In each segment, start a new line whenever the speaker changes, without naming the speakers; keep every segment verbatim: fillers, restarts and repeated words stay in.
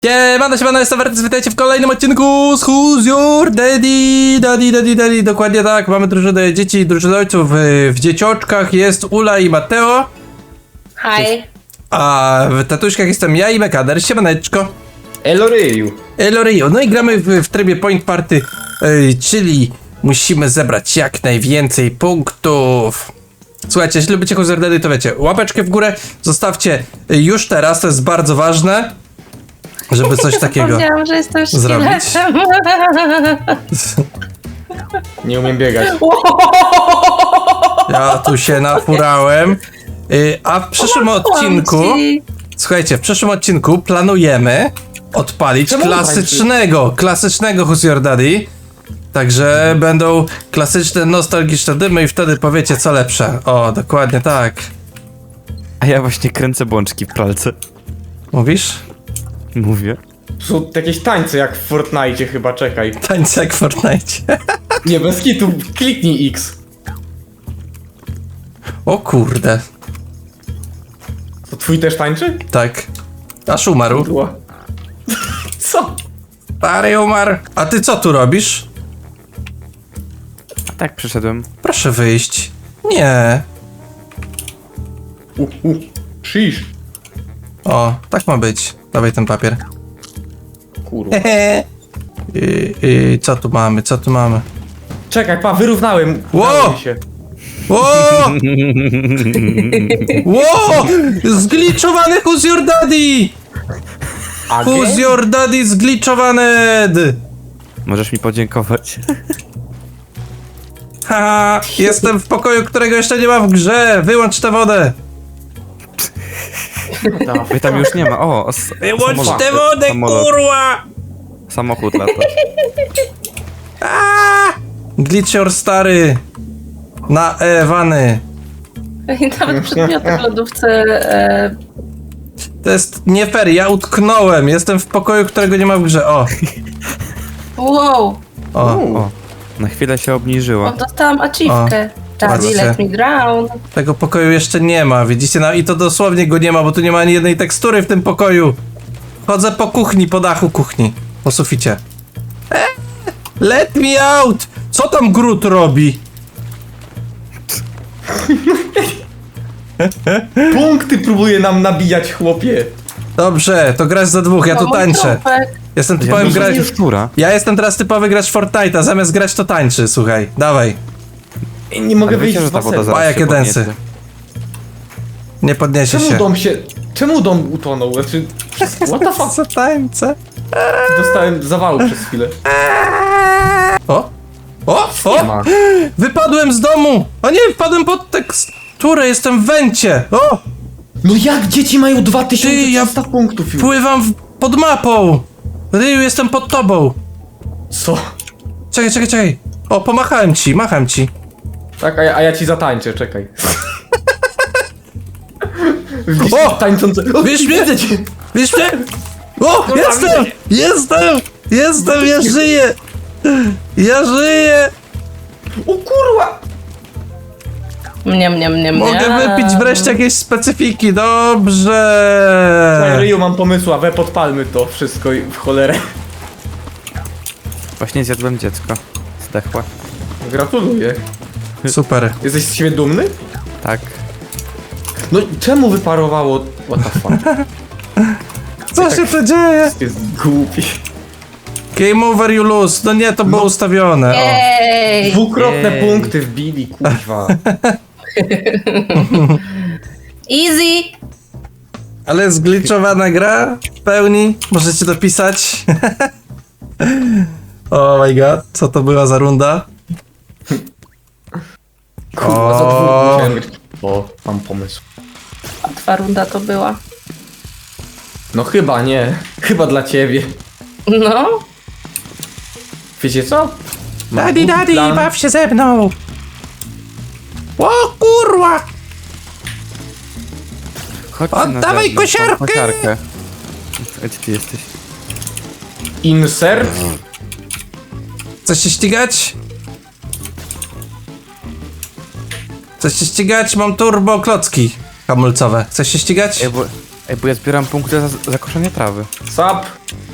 Siemano, siemano, jestem Wertys, witajcie w kolejnym odcinku z Who's Your Daddy, Daddy, Daddy, Daddy, dokładnie tak, mamy drużynę dzieci i drużynę ojców, w dziecioczkach jest Ula i Mateo,
Hi.
a w tatuśkach jestem ja i Mekader, siemaneczko.
Eloryju.
Elorio, no i gramy w, w trybie Point Party, yy, czyli musimy zebrać jak najwięcej punktów. Słuchajcie, jeśli lubicie Who's Your Daddy, to wiecie, łapeczkę w górę zostawcie już teraz, to jest bardzo ważne. Żeby coś takiego
Zapomniałam, że jestem
zrobić.
szkieletem.
Nie umiem biegać.
Ja tu się nafurałem. Yy, a w przyszłym odcinku, słuchajcie, w przyszłym odcinku planujemy odpalić
Czemu
klasycznego, klasycznego Who's Your Daddy. Także będą klasyczne, nostalgiczne dymy i wtedy powiecie co lepsze. O, dokładnie tak.
A ja właśnie kręcę bączki w pralce.
Mówisz?
Mówię.
Są jakieś tańce jak w Fortnite chyba, czekaj.
Tańce jak w Fortnite.
Nie, bez kitu, kliknij X.
O kurde.
To twój też tańczy?
Tak. Aż umarł.
Ła. Co?
Stary umarł. A ty co tu robisz?
A tak przyszedłem.
Proszę wyjść. Nie.
U, u. Shish.
O, tak ma być. Dawaj ten papier.
Kurwa.
Hehe. I, i, co tu mamy, co tu mamy?
Czekaj, pa, wyrównałem.
Ło!
Udało mi się.
Ło! Ło! Zgliczowany Who's Your Daddy! Who's
Again?
Your Daddy zgliczowany!
Możesz mi podziękować.
Haha, jestem w pokoju, którego jeszcze nie ma w grze. Wyłącz tę wodę.
Wy tam już nie ma. O, s-
Wyłącz
samolot.
tę wodę,
Samolot.
kurwa!
Samochód lata.
Aaa! Glitcher stary. Na Ewany.
I nawet przedmioty w lodówce. E,
To jest nie fair, ja utknąłem. Jestem w pokoju, którego nie ma w grze. O,
wow.
o.
O, na chwilę się obniżyła.
O, dostałam achievkę. Daddy,
patrzcie.
let me drown.
Tego pokoju jeszcze nie ma, widzicie? No i to dosłownie go nie ma, bo tu nie ma ani jednej tekstury w tym pokoju. Chodzę po kuchni, po dachu kuchni. Po suficie. Eee, let me out! Co tam Groot robi?
Punkty próbuje nam nabijać, chłopie.
Dobrze, to grasz za dwóch, ja tu
O, mój
tańczę.
trupek.
Jestem
Ja
typowym
myślę,
grać.
że jest która.
Ja jestem teraz typowy gracz Fortnite'a, zamiast grać to tańczy, słuchaj. Dawaj.
I nie mogę
Ale
wyjść
wiecie,
z
że ta woda
basenu.
zaraz
A, jakie
się
densy.
podniesie.
Nie podniesie
Czemu
się.
dom się... Czemu dom utonął? Znaczy... What the fuck?
Co tańce?
Dostałem zawału przez chwilę.
O! O!
Nie
O!
ma.
Wypadłem z domu! O nie, wpadłem pod teksturę, jestem w wencie! O!
No jak dzieci mają dwa tysiące trzysta
Ty, ja-
punktów już?
Pływam w, pod mapą! Ryu, jestem pod tobą!
Co?
Czekaj, czekaj, czekaj! O, pomachałem ci, macham ci.
Tak, a ja, a ja ci zatańczę, czekaj.
O!
Tańczące... O,
Wiesz mnie?
widzę cię!
Wiesz mnie? O! Jestem! Jestem! Jestem! Ja żyję! Ja żyję!
O kurwa!
Mnie, mnie, mnie, mnie.
Mogę wypić wreszcie jakieś specyfiki,
Ej,
dobrze!
Ryju, mam pomysł, a we podpalmy to wszystko i w cholerę.
Właśnie zjadłem dziecko. Zdechła.
Gratuluję.
Super.
Jesteś z siebie dumny?
Tak.
No czemu wyparowało? What the fuck?
Co się to dzieje?
Jest głupi.
Game over, you lose. No nie, to było ustawione. O.
Ej!
Dwukrotne
Jej.
punkty wbili, kurwa.
Easy!
Ale zgliczowana gra w pełni. Możecie dopisać. Oh my god, co to była za runda?
Kurwa, za
O.
dwóch musiałem grać. O, mam pomysł.
Łatwa runda to była.
No chyba nie. Chyba dla ciebie.
No.
Wiecie co? Mam
Daddy,
głupi
daddy,
plan.
baw się ze mną. O kurwa!
Chodź
Oddawaj kosiarkę!
kosiarkę. A gdzie ty jesteś?
Insert?
Chcesz się ścigać? Chcesz się ścigać? Mam turbo klocki hamulcowe. Chcesz się ścigać?
Ej, bo Ej, bo ja zbieram punkty za zakoszenie trawy.
Sap!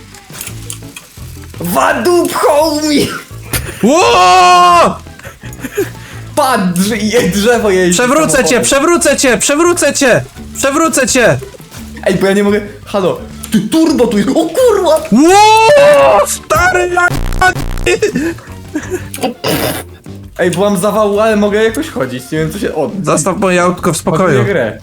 Wadup, homie!
Ło!
Patrz, je drzewo jeździ.
Przewrócę cię,
samochodem.
przewrócę cię, przewrócę cię! Przewrócę cię!
Ej, bo ja nie mogę... Halo, tu turbo tu jest, o kurwa!
Ło! Stary la...
Ej, bo mam zawału, ale mogę jakoś chodzić, nie wiem co się... O,
Zostaw moje autko w spokoju.
odbiję grę.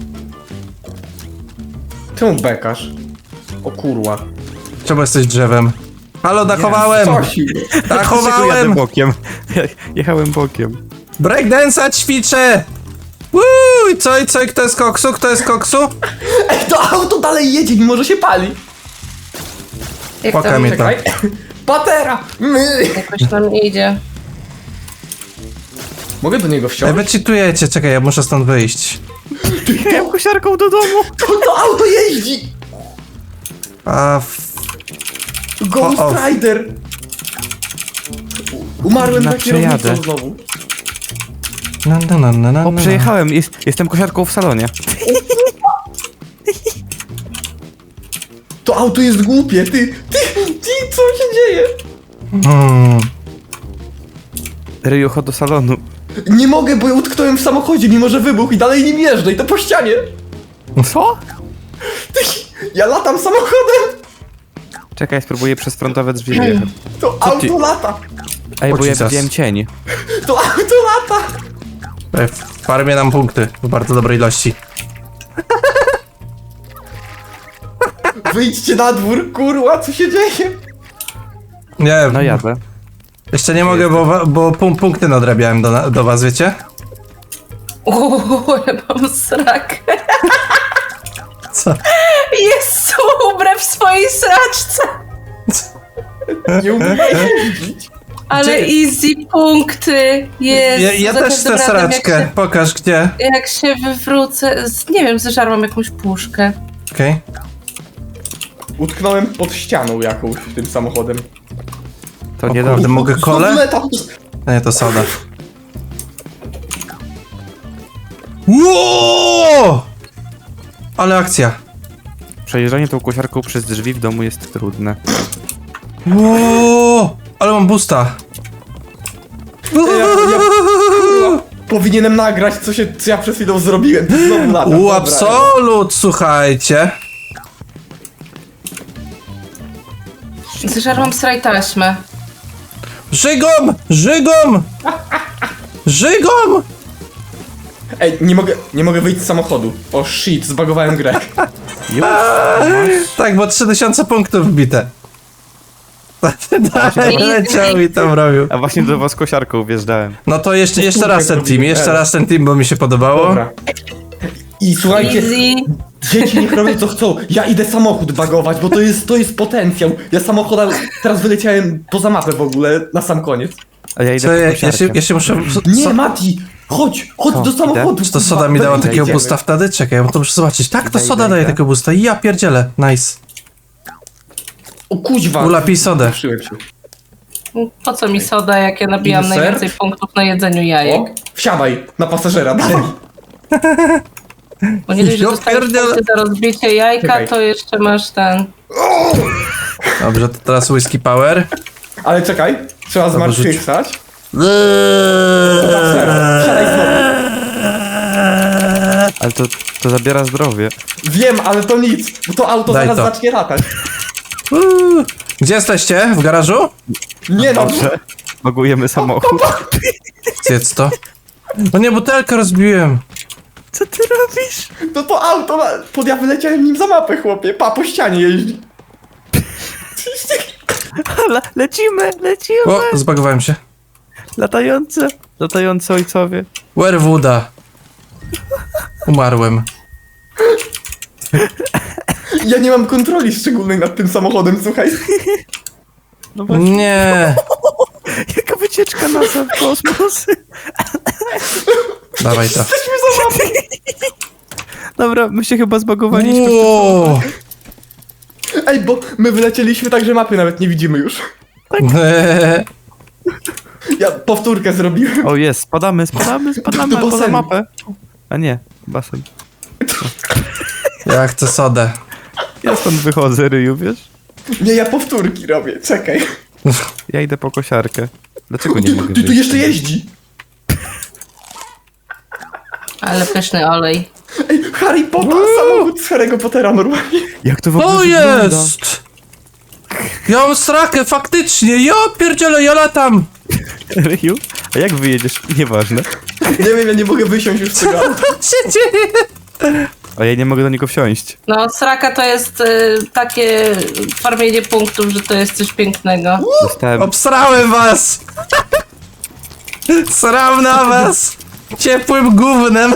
Czemu bekasz? O kurwa.
Czemu jesteś drzewem? Halo, dachowałem!
Coś.
Jadę
Dachowałem!
bokiem. Ja, jechałem bokiem.
Breakdance'a ćwiczę! Woo! I co, i co, i kto jest koksu? Kto jest koksu?
Ej, to auto dalej jedzie, mimo że się pali.
Jak
Płaka
tam
mnie to.
Czekaj. Patera! My.
jakoś nam nie idzie.
Mogę do niego
Ej,
wsiąść?
wy cheatujecie, czekaj, ja muszę stąd wyjść.
Jechałem kosiarką do domu.
To, to auto jeździ!
A... F...
Ghost
O, o.
Rider! Umarłem
Na
na kierownicą
przejadę.
znowu.
Na, na, na, na, na,
O,
na.
przejechałem. Jest, jestem kosiarką w salonie.
To auto jest głupie, ty, ty, ty, co się dzieje?
Hmm.
Ryju, chodź do salonu.
Nie mogę, bo ja utknąłem w samochodzie, mimo że wybuchł i dalej nim jeżdżę i to po ścianie.
Co?
Ty, ja latam samochodem,
Czekaj, spróbuję przez frontowe drzwi wjechać.
to
Co ty?
auto lata,
Ej,
O,
bo ja
Jesus.
widziałem cień.
to auto lata.
Ej, farmię nam punkty w bardzo dobrej ilości.
Wyjdźcie na dwór, kurwa, co się dzieje?
Nie,
No jadę.
jeszcze nie mogę, bo, wa- bo pun- punkty nadrabiałem do, na- do was, wiecie?
Uuu, ale mam srak.
Co?
Jest ubrę w swojej sraczce.
Nie umiem jeździć.
Ale
Gdzie-
easy punkty jest.
Ja, ja
Za
też
każdym
chcę
razem, jak
sraczkę.
się-
Pokaż gdzie.
Jak się wywrócę, z, nie wiem, zeżarłam jakąś puszkę.
Okej.
Utknąłem pod ścianą jakąś tym samochodem.
To
O
nie
kurde,
dobrze.
mogę kole?
Znowu lata.
Nie, to soda. Ło! Ale akcja.
Przejeżdżanie tą kosiarką przez drzwi w domu jest trudne.
Ło! Ale mam busta.
Ja, ja, kurwa, powinienem nagrać, co, się, co ja przed chwilą zrobiłem. Ty znowu latam.
U,
Dobra.
absolut, słuchajcie.
Zeżarłam sraj taśmę.
Żygom! Żygom! Żygom!
Ej, nie mogę, nie mogę wyjść z samochodu. O shit, zbagowałem grę.
Już?
Tak, bo trzy tysiące punktów wbite. Dalej leciał i tam robił.
A właśnie do was kosiarką wjeżdżałem.
No to jeszcze, jeszcze raz ten team, jeszcze raz ten team, bo mi się podobało.
Dobra. I słuchajcie,
Easy.
dzieci niech robią co chcą. Ja idę samochód bagować, bo to jest, to jest potencjał. Ja samochoda, teraz wyleciałem poza mapę w ogóle, na sam koniec.
A ja
Co,
idę
ja,
po
ja, się,
kosiarkę.
ja się muszę...
Nie,
so,
Mati, chodź, chodź
Co,
do
idę?
samochodu.
Czy to soda mi dała
Idę,
takiego
idziemy.
boosta wtedy? Czekaj, ja to muszę zobaczyć. Tak, to
Idę,
soda
idę,
daje
idę.
takiego boosta. Ja pierdzielę, nice.
O kuźwa.
Ula, pij sodę.
Ruszyłem się.
Po co mi soda, jak ja nabijam
Inser?
najwięcej punktów na jedzeniu jajek?
O, wsiadaj na pasażera, dalej.
Bo nie dość, że
Ja
dostajesz
pierdzielę.
punkty za rozbicie jajka,
Czekaj.
to jeszcze masz ten...
Dobrze, to teraz whisky power.
Ale czekaj, trzeba
Dobra, rzuć.
zmartwychwstać. Wsiadaj znowu.
Ale to, to zabiera zdrowie.
Wiem, ale to nic, bo to auto
Daj
zaraz
to.
zacznie latać.
Uuu. Gdzie jesteście? W garażu?
Nie no,
Dobrze. Bagujemy samochód.
Zjedz to. No nie, butelkę rozbiłem.
Co ty robisz?
to to auto, na- pod ja wyleciałem nim za mapę, chłopie. Pa, po ścianie jeździ.
Le lecimy, lecimy!
O, zbagowałem się.
Latające, latające ojcowie.
Werewooda. Umarłem.
Ja nie mam kontroli szczególnej nad tym samochodem, słuchaj.
No właśnie,
Nie.
jaka wycieczka NASA w kosmos.
Dawaj to.
Jesteśmy za mapą.
Dobra, my się chyba zbagowaliśmy.
Wow.
Ej, bo my wylecieliśmy tak, że mapy nawet nie widzimy już.
Eee.
Ja powtórkę zrobiłem.
O jest, spadamy, spadamy, spadamy
Do
poza
basenu.
mapę. A nie, basen.
Ja chcę sodę.
Ja stąd wychodzę, Ryju, wiesz?
Nie, ja powtórki robię, czekaj.
Ja idę po kosiarkę. Dlaczego nie
Ty,
mogę
ty tu
wyjść?
jeszcze jeździ.
Ale pyszny olej.
Ej, Harry Potter, samochód z Harry'ego Pottera normalnie.
Jak to w ogóle
To
wygląda?
jest! Ja mam srakę, faktycznie! Ja pierdzielę, ja latam!
Ryju? A jak wyjedziesz? Nieważne.
Nie wiem, ja nie mogę wysiąść już z tego auta.
Co się dzieje?
A ja nie mogę do niego wsiąść.
No, sraka to jest y, takie farmienie punktów, że to jest coś pięknego.
Dostałem...
Obsrałem was! Sram na was! Ciepłym gównem!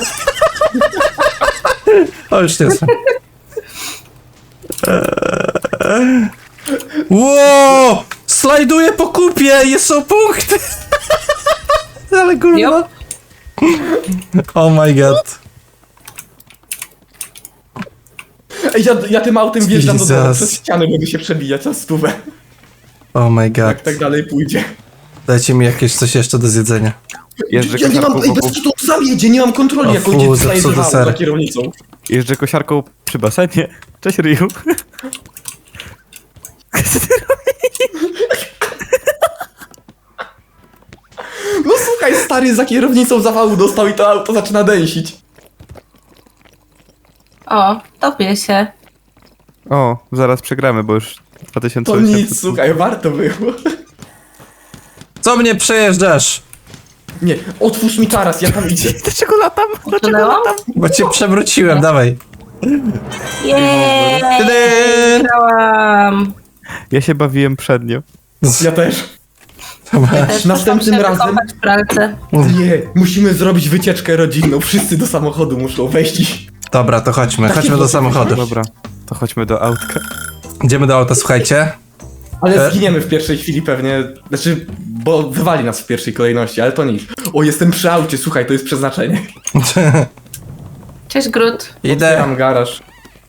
O, już nie są. Ło! Slajduję po kupie i są punkty! Ale gówno.
Jop.
Oh my god.
Ej, ja, ja tym autem wjeżdżam do domu,
Jesus.
przez ścianę mogę się przebijać na stówę.
Oh my god.
Jak tak dalej pójdzie.
Dajcie mi jakieś coś jeszcze do zjedzenia.
Jeżdżę
Ja nie mam,
kosiarką,
ej, bez
wokół...
kitu sam jedzie, nie mam kontroli,
O
jak
fu,
on idzie
zepsuty
slajdowało
ser.
za kierownicą.
Jeżdżę kosiarką przy basenie. Cześć, Ryju.
No słuchaj, stary za kierownicą zawału dostał i to auto zaczyna dęsić.
O, topię się.
O, zaraz przegramy, bo już dwa tysiące
To
osiemset.
nic, słuchaj, warto było.
Co mnie przejeżdżasz?
Nie, otwórz mi taras, ja tam idzie.
Dlaczego latam? Dlaczego
Utknęłam?
latam?
Bo cię przewróciłem, dawaj.
Jej!
Tadam!
Wygrałam!
Ja się bawiłem przednio.
Ja też.
Dobra.
Też
Następnym
muszę się
razem-
wykąpać w pralce.
Nie, musimy zrobić wycieczkę rodzinną. Wszyscy do samochodu muszą wejść i...
Dobra, to chodźmy,
Takie
chodźmy do
włosy
samochodu.
Dobra, to chodźmy do autka.
Idziemy do auta, słuchajcie.
Ale
E?
zginiemy w pierwszej chwili pewnie. Znaczy, bo wywali nas w pierwszej kolejności, ale to nic. O, jestem przy aucie, słuchaj, to jest przeznaczenie.
Cześć, Grut.
Idę.
Otwieram garaż.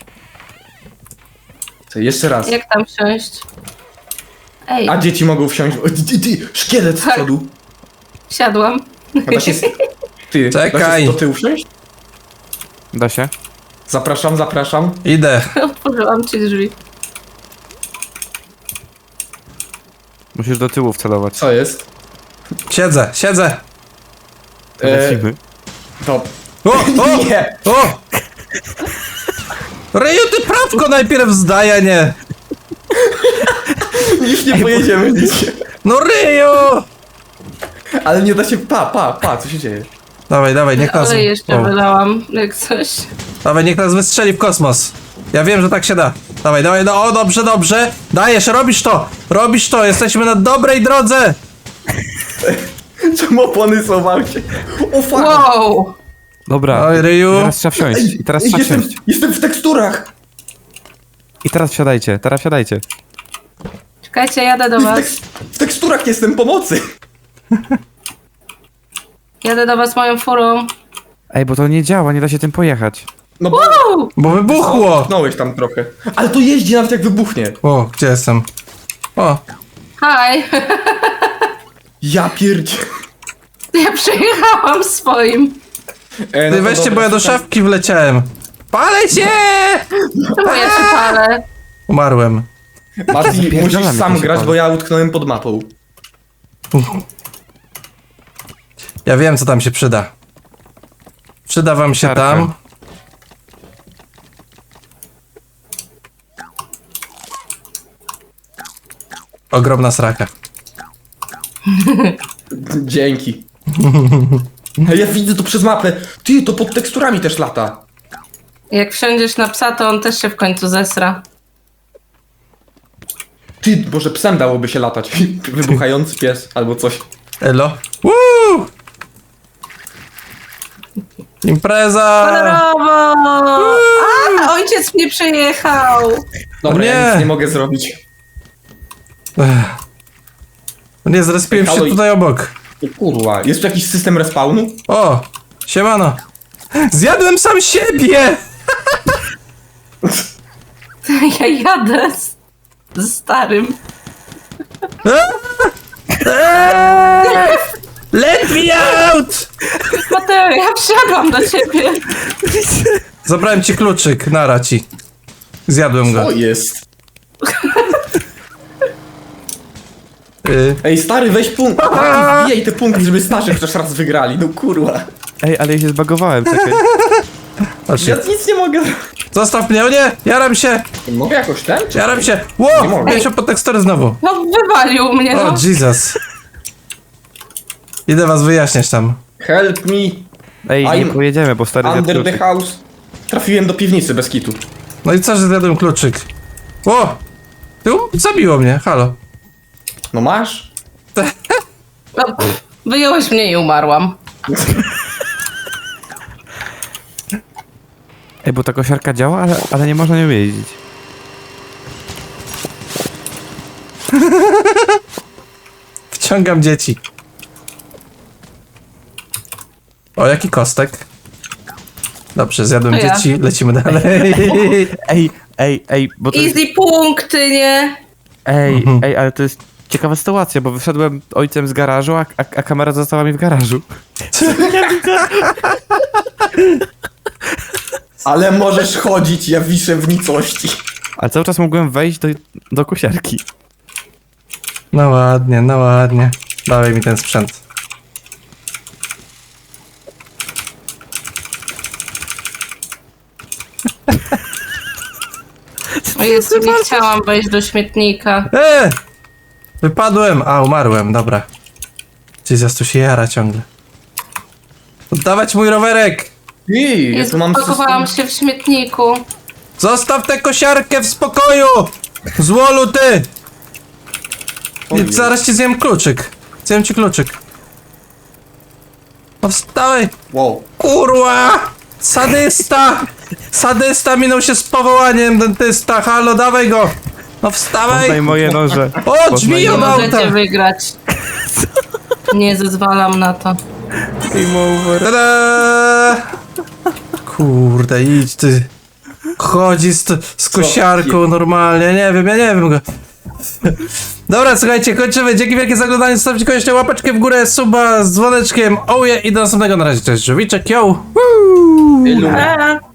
Co, jeszcze raz.
Jak tam wsiąść? Ej,
A dzieci mogą wsiąść. O, ty, ty, ty, szkielet z
Tak.
przodu.
wsiadłam.
A da się... Ty,
Czekaj.
da się do tyłu wsiąść?
Da się?
Zapraszam, zapraszam.
Idę.
Otworzyłam ci drzwi.
Musisz do tyłu wcelować.
Co jest?
Siedzę, siedzę.
To
E,
lecimy.
To...
O, o,
Nie!
o! Ryju, ty prawko najpierw zdaj, a nie.
Już nie pojedziemy nigdzie.
No Ryju!
Ale nie da się... Pa, pa, pa, co się dzieje?
Dawaj, dawaj, niech nas...
Ale jeszcze
o,
wylałam, jak coś.
dawaj, niech nas wystrzeli w kosmos. Ja wiem, że tak się da. Dawaj, dawaj, no, o, dobrze, dobrze. Dajesz, robisz to, robisz to, jesteśmy na dobrej drodze.
Czemu opony są w aucie? O, fuck!
Wow!
Dobra,
Oj, Ryju.
teraz trzeba wsiąść. I teraz
Ej,
trzeba
jestem,
wsiąść.
jestem w teksturach!
I teraz wsiadajcie, teraz wsiadajcie.
Czekajcie, jadę do
W,
was.
tekst, w teksturach jestem pomocy!
Jadę do was moją furą.
Ej, bo to nie działa, nie da się tym pojechać.
No bo...
Wow!
Bo wybuchło.
Pchnąłeś tam trochę. Ale to jeździ nawet jak wybuchnie.
O, gdzie jestem? O,
Hi!
Ja pierdzie...
Ja przejechałam swoim.
E, no
ty
to
weźcie,
dobra,
bo ja do
słuchaj.
szafki wleciałem. Palę cię!
Czemu ja się palę?
Umarłem.
Mati, musisz
Zapierdalam,
sam
jak się
grać,
pali.
bo ja utknąłem pod mapą.
Ja wiem, co tam się przyda. Przyda wam się
Siarka.
tam. Ogromna sraka.
Dzięki. Ja widzę to przez mapę. Ty, to pod teksturami też lata.
Jak wsiądziesz na psa, to on też się w końcu zesra.
Ty, może psem dałoby się latać. Wybuchający pies albo coś.
Elo. Woo! Impreza!
Kolorowo! A, ojciec mnie przejechał!
Dobra, ja
nie.
nic nie mogę zrobić.
Ech. Nie, zrespiłem się
Halo,
tutaj obok.
O kurwa, jest tu jakiś system respawnu?
O! Siemano! Zjadłem sam siebie!
Ja jadę z, z starym.
Eee! Let me out!
Mateo, ja wsiadłam do ciebie.
Zabrałem ci kluczyk, nara ci. Zjadłem go.
O jest.
Y,
Ej, stary, weź punkt. Taki wbijaj te punkty, żeby starszy chociaż raz wygrali. No kurwa.
Ej, ale ja się zbagowałem, czekaj.
Chodź.
Ja nic nie mogę.
Zostaw mnie, o nie! Jaram się!
Mogę jakoś ten? Czy...
Jaram się! Ło!
Nie mogę.
Miałem się pod teksturę znowu.
No wywalił mnie,
O,
no.
Jesus. Idę was wyjaśniać tam.
Help me.
Ej, nie
I'm
pojedziemy, bo stary zjadł
Under the
kluczyk.
house. Trafiłem do piwnicy bez kitu.
No i co, że zjadłem kluczyk? Ło! Ty, um, zabiło mnie, halo.
No masz?
no pff, wyjąłeś mnie i umarłam.
Ej, bo ta kosiarka działa, ale, ale nie można nią jeździć.
Wciągam dzieci. O, jaki kostek. Dobrze, zjadłem
To ja.
dzieci, lecimy dalej.
Ej, ej, ej, bo to jest...
Easy punkty, nie?
Ej,
Mhm.
ej, ale to jest ciekawa sytuacja, bo wyszedłem ojcem z garażu, a, a, a kamera została mi w garażu.
Ale możesz chodzić, ja wiszę w nicości.
Ale cały czas mogłem wejść do, do kosiarki.
No ładnie, no ładnie. Dawaj mi ten sprzęt.
O Jezu, nie chciałam wejść do śmietnika.
E! Wypadłem! A, umarłem, dobra. Jesus, tu się jara ciągle. Oddawać mój rowerek!
Ej, ja
Jezu,
tu mam
pakowałam
system.
się w śmietniku.
Zostaw tę kosiarkę w spokoju! Złolu ty!
Oj.
Zaraz ci zjem kluczyk. Zjem ci kluczyk. No wstawaj!
Wow.
Kurwa! Sadysta! Sadysta minął się z powołaniem, dentysta. Halo, dawaj go! No wstawaj!
Poznaj moje noże.
O, drzwi
Poznaj
od
Nie
auta!
możecie wygrać. Nie zezwalam na to.
Game over.
Tada! Kurde, idź ty. Chodzi z, z kosiarką normalnie, nie wiem, ja nie wiem go. Dobra, słuchajcie, kończymy. Dzięki wielkie za oglądanie. Zostawcie koniecznie łapeczkę w górę, suba z dzwoneczkiem. Oje i do następnego. Na razie, cześć, żółwiczek, yo! Woo!
Ilu?
Eee.